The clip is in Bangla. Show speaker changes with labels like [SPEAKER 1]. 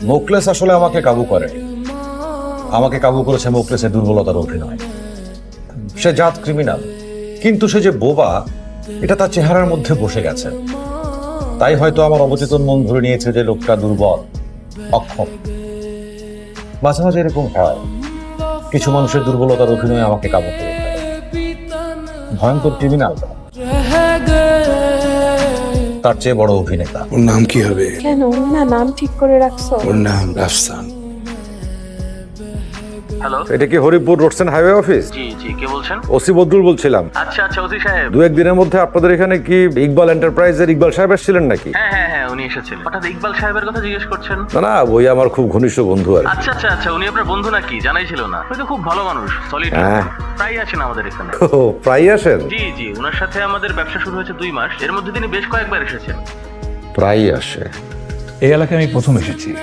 [SPEAKER 1] মোকলেস আসলে আমাকে কাবু করে। আমাকে কাবু করেছে মোকলেসের দুর্বলতার অভিনয়। সে জাত ক্রিমিনাল, কিন্তু সে যে বোবা এটা তার চেহারার মধ্যে বসে গেছে। তাই হয়তো আমার অবচেতন মন ধরে নিয়েছে যে লোকটা দুর্বল, অক্ষম। মাঝে মাঝে এরকম হয়, কিছু মানুষের দুর্বলতার অভিনয় আমাকে কাবু করে ফেলে। ভয়ঙ্কর ক্রিমিনাল, তার চেয়ে বড় অভিনেতা।
[SPEAKER 2] ওর নাম কি হবে?
[SPEAKER 3] কেন না নাম ঠিক করে রাখছো?
[SPEAKER 2] ওর নাম রাফসান।
[SPEAKER 4] হ্যালো,
[SPEAKER 1] এটা কি হরিপুর রোডসেন হাইওয়ে অফিস?
[SPEAKER 4] জি জি, কে বলছেন?
[SPEAKER 1] ওসি বদরুল বলছিলাম।
[SPEAKER 4] আচ্ছা আচ্ছা, ওসি সাহেব।
[SPEAKER 1] দু একদিনের মধ্যে আপনাদের এখানে কি ইকবাল এন্টারপ্রাইজের ইকবাল সাহেব এসেছিলেন নাকি?
[SPEAKER 4] হ্যাঁ হ্যাঁ হ্যাঁ, উনি এসেছেন। হঠাৎ ইকবাল সাহেবের কথা জিজ্ঞেস করছেন?
[SPEAKER 1] না না, ওই আমার খুব ঘনিষ্ঠ বন্ধু আর কি।
[SPEAKER 4] আচ্ছা আচ্ছা আচ্ছা, উনি আপনার বন্ধু নাকি? জানাই ছিল না। উনি তো খুব ভালো মানুষ, সলিড।
[SPEAKER 1] হ্যাঁ।
[SPEAKER 4] প্রায় আসেন আমাদের এখানে।
[SPEAKER 1] ও, প্রায় আসেন?
[SPEAKER 4] জি জি, ওনার সাথে আমাদের ব্যবসা শুরু হয়েছে 2 মাস। এর মধ্যে তিনি বেশ কয়েকবার এসেছেন।
[SPEAKER 1] প্রায় আসে।
[SPEAKER 5] এই এলাকায় আমি প্রথম এসেছি।